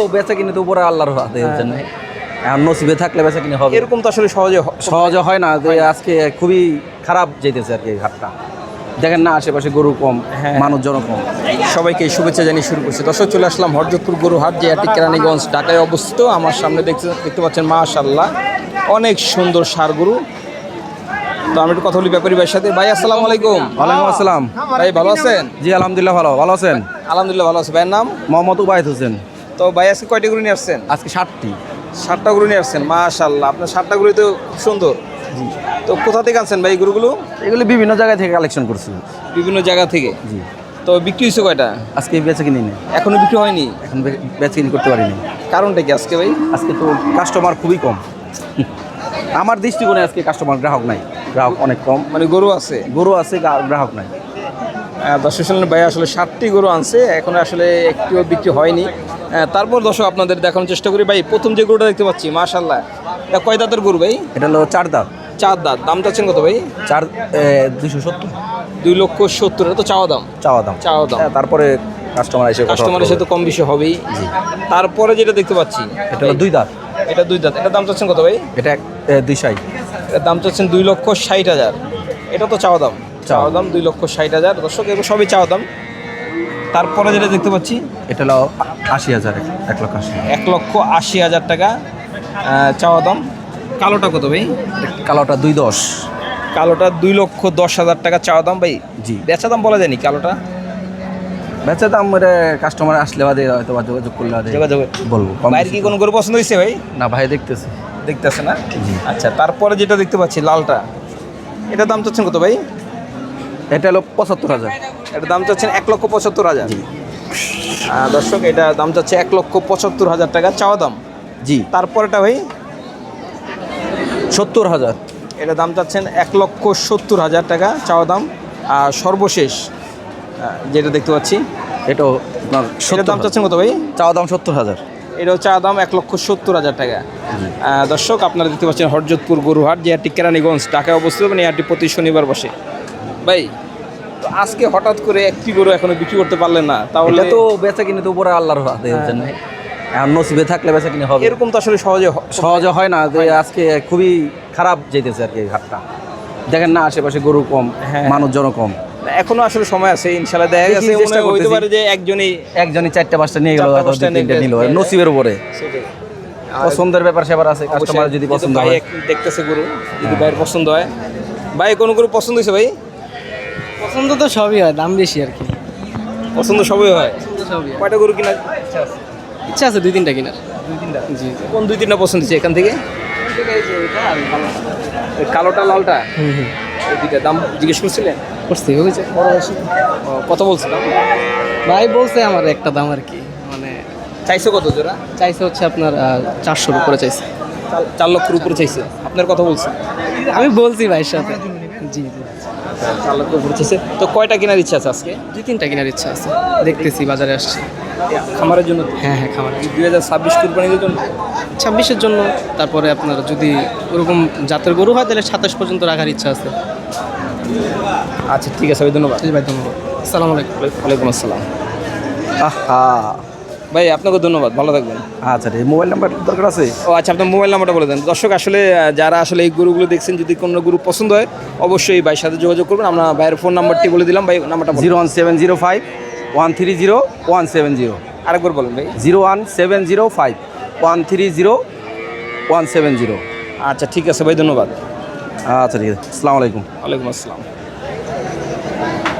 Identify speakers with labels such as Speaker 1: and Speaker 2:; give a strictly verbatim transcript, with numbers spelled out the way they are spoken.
Speaker 1: বেচা কিনে তো উপরে আল্লাহর হাতে জন্য এখন নসিবে থাকলে বেচা কিনে হবে।
Speaker 2: এরকম তো আসলে সহজে
Speaker 1: সহজে হয় না যে আজকে খুবই খারাপ যেতেছে আর কি হাটটা। দেখেন না আশেপাশে গরু কম, মানুষজন কম।
Speaker 2: সবাইকে শুভেচ্ছা জানিয়ে শুরু করছি। দর্শক চলে আসলাম হরজতপুর গরু হাট, যে হাটটি কেরানীগঞ্জ ঢাকায় অবস্থিত। আমার সামনে দেখতে দেখতে পাচ্ছেন মাশাআল্লাহ অনেক সুন্দর ষাঁড় গরু। তো আমি একটু কথা বলি ব্যাপারী ভাইয়ের সাথে। ভাই আসসালামু আলাইকুম।
Speaker 1: ওয়ালাইকুম আসসালাম।
Speaker 2: ভাই ভালো আছেন?
Speaker 1: জি আলহামদুলিল্লাহ ভালো। ভালো আছেন?
Speaker 2: আলহামদুলিল্লাহ ভালো আছে। ভাইয়ের নাম?
Speaker 1: মোহাম্মদ উবাইদ হোসেন।
Speaker 2: তো ভাই আজকে কয়টি গরু নিয়ে আসছেন?
Speaker 1: আজকে ষাটটি।
Speaker 2: ষাটটা গরু নিয়ে আসছেন, মাশাআল্লাহ। আপনার ষাটটা গরু তো খুব সুন্দর। জি। তো কোথা থেকে আনছেন ভাই গরুগুলো?
Speaker 1: এগুলি বিভিন্ন জায়গা থেকে কালেকশন করছি।
Speaker 2: বিভিন্ন জায়গা থেকে?
Speaker 1: জি।
Speaker 2: তো বিক্রি হয়েছে কয়টা?
Speaker 1: আজকে বেচা কিনি নেই,
Speaker 2: এখনো বিক্রি হয়নি।
Speaker 1: এখন বেচা কিনি করতে পারিনি।
Speaker 2: কারণটা কি আজকে ভাই?
Speaker 1: আজকে তো কাস্টমার খুবই কম। আমার দৃষ্টিকোণে আজকে কাস্টমার গ্রাহক নাই, গ্রাহক অনেক কম।
Speaker 2: মানে গরু আছে,
Speaker 1: গরু আছে, গ্রাহক নাই।
Speaker 2: দর্শক শুনলেন ভাই আসলে ষাটটি গরু আনছে, এখন আসলে একটিও বিক্রি হয়নি। তারপর দর্শক আপনাদের দেখানোর চেষ্টা করি। ভাই প্রথম যে গরুটা দেখতে পাচ্ছি মাশাআল্লাহ, এটা কয় দাঁতের গরু ভাই?
Speaker 1: এটা হলো চার দাঁত।
Speaker 2: চার দাঁত। দাম চাচ্ছেন কত ভাই?
Speaker 1: চার দুইশো সত্তর।
Speaker 2: দুই লক্ষ সত্তর। এটা তো চাওয়া দাম।
Speaker 1: চাওয়া দাম।
Speaker 2: চাওয়া দাম।
Speaker 1: তারপরে কাস্টমার এসে
Speaker 2: কাস্টমারের সাথে কম বেশি হবেই।
Speaker 1: জি।
Speaker 2: তারপরে যেটা দেখতে পাচ্ছি
Speaker 1: এটা হলো দুই দাঁত।
Speaker 2: এটা দুই দাঁত। এটা দাম চাচ্ছেন কত ভাই?
Speaker 1: এটা দুই ষাট।
Speaker 2: এটার দাম চাচ্ছেন দুই লক্ষ ষাট হাজার। এটা তো চাওয়া দাম। চাওয়া দাম দুই লক্ষ ষাট হাজার। দর্শক এগুলো সবই চাওয়া দাম। তারপরে যেটা দেখতে পাচ্ছি
Speaker 1: এটা হলো আশি হাজার। এক লক্ষ আশি।
Speaker 2: এক লক্ষ আশি হাজার টাকা চাওয়া দাম। কালোটা কত ভাই?
Speaker 1: কালোটা দুই দশ।
Speaker 2: কালোটা দুই লক্ষ দশ হাজার টাকা চাওয়া দাম ভাই।
Speaker 1: জি।
Speaker 2: বেচা দাম বলা যায়নি কালোটা?
Speaker 1: বেচা দাম কাস্টমার আসলে বাদে হয়তো বা যোগাযোগ করলে বাদে
Speaker 2: যোগাযোগ
Speaker 1: বলবো।
Speaker 2: ভাইয়ের কি কোনো গরু পছন্দ হয়েছে ভাই?
Speaker 1: না ভাই দেখতেছে।
Speaker 2: দেখতেছে না? আচ্ছা। তারপরে যেটা দেখতে পাচ্ছি লালটা, এটার দাম চাচ্ছেন কত ভাই?
Speaker 1: এটা হলো পঁচাত্তর হাজার।
Speaker 2: এটার দাম চাচ্ছেন এক লক্ষ পঁচাত্তর হাজার। দর্শক এটা দাম চাচ্ছে এক লক্ষ পঁচাত্তর হাজার টাকা চাওয়া দাম।
Speaker 1: জি।
Speaker 2: তারপরেটা ভাই
Speaker 1: সত্তর হাজার।
Speaker 2: এটা দাম চাচ্ছেন এক লক্ষ সত্তর হাজার টাকা চাওয়া দাম। আর সর্বশেষ যেটা দেখতে পাচ্ছি
Speaker 1: এটাও
Speaker 2: সেটার দাম চাচ্ছেন কত ভাই?
Speaker 1: চাওয়া দাম সত্তর হাজার।
Speaker 2: এটাও চা দাম এক লক্ষ সত্তর হাজার টাকা। দর্শক আপনারা দেখতে পাচ্ছেন হরজতপুর গরুহাট, যে হাটটি কেরানীগঞ্জ ঢাকায় অবস্থিত। মানে এই হাটটি প্রতি শনিবার বসে। ভাই তো আজকে হঠাৎ করে একটি গরু এখনো বিক্রি করতে পারলেন না, তাহলে
Speaker 1: তো বেচা কিনে তো উপরে আল্লাহর হাতে জন্য এখন নসিবে থাকলে বেচা কিনে হবে।
Speaker 2: এরকম তো আসলে সহজে
Speaker 1: সহজে হয় না যে আজকে খুবই খারাপ যেতেছে আর কি হাটটা। দেখেন না আশেপাশে গরু কম, মানুষজন কম।
Speaker 2: এখনো আসলে সময় আছে, ইনশাআল্লাহ দেখা গেছে মনে হইতে পারে যে একজনই
Speaker 1: একজনই চারটা পাঁচটা নিয়ে গেল, তিনটা নিল, নসিবের উপরে। পছন্দের ব্যাপার সেবার আছে, কাস্টমার যদি পছন্দ হয়।
Speaker 2: দেখতেছে গরু, যদি ভাইয়ের পছন্দ হয়। ভাই কোন গরু পছন্দ হয়েছে ভাই?
Speaker 3: পছন্দ তো সবই হয়, দাম বেশি আর কি।
Speaker 2: পছন্দ সবই হয়। কয়টা গরু কিনার
Speaker 3: ইচ্ছা আছে? দুই তিনটা কিনার।
Speaker 2: দুই তিনটা?
Speaker 3: জি।
Speaker 2: কোন দুই তিনটা পছন্দ হচ্ছে এখান থেকে? কালোটা লালটা?
Speaker 3: হুম হুম।
Speaker 2: এই দুইটা দাম জিজ্ঞেস করছিলেন?
Speaker 3: করছি, হয়েছে।
Speaker 2: কত বলছিলাম?
Speaker 3: ভাই বলছে আমার একটা দাম আর কি, মানে
Speaker 2: চাইছে কত জোড়া?
Speaker 3: চাইছে হচ্ছে আপনার চারশোর উপরে চাইছে।
Speaker 2: চার লক্ষের উপরে চাইছে। আপনার কথা বলছে?
Speaker 3: আমি বলছি ভাইয়ের সাথে। জি জি।
Speaker 2: চার লক্ষের উপরে চাইছে। তো কয়টা কেনার ইচ্ছা আছে আজকে?
Speaker 3: দুই তিনটা কেনার ইচ্ছা আছে, দেখতেছি বাজারে আসছে।
Speaker 2: খামারের জন্য?
Speaker 3: হ্যাঁ হ্যাঁ, খামার।
Speaker 2: দুই হাজার ছাব্বিশ কুরবানির জন্য?
Speaker 3: ছাব্বিশের জন্য। তারপরে আপনার যদি ওরকম জাতের গরু হয় তাহলে সাতাশ পর্যন্ত রাখার ইচ্ছা আছে।
Speaker 2: আচ্ছা ঠিক আছে ভাই, ধন্যবাদ।
Speaker 3: ভাই ধন্যবাদ। আসসালামু আলাইকুম।
Speaker 2: ওয়ালাইকুম আসসালাম।
Speaker 1: আহা
Speaker 2: ভাই আপনাকে ধন্যবাদ, ভালো থাকবেন।
Speaker 1: আচ্ছা, এই মোবাইল নাম্বার দরকার আছে?
Speaker 2: ও আচ্ছা, আপনার মোবাইল নাম্বারটা বলে দেন। দর্শক আসলে যারা আসলে এই গরুগুলো দেখছেন, যদি কোনো গরু পছন্দ হয় অবশ্যই ভাইয়ের সাথে যোগাযোগ করবেন। আমরা ভাইয়ের ফোন নাম্বারটি বলে দিলাম। ভাই নাম্বারটা
Speaker 1: zero one seven zero five one three zero one seven zero.
Speaker 2: আরেকবার বলেন ভাই।
Speaker 1: Zero one seven zero five one three zero one seven zero.
Speaker 2: আচ্ছা ঠিক আছে ভাই, ধন্যবাদ।
Speaker 1: আচ্ছা ঠিক আছে, আসসালামু আলাইকুম।
Speaker 2: ওয়ালাইকুম আসসালাম।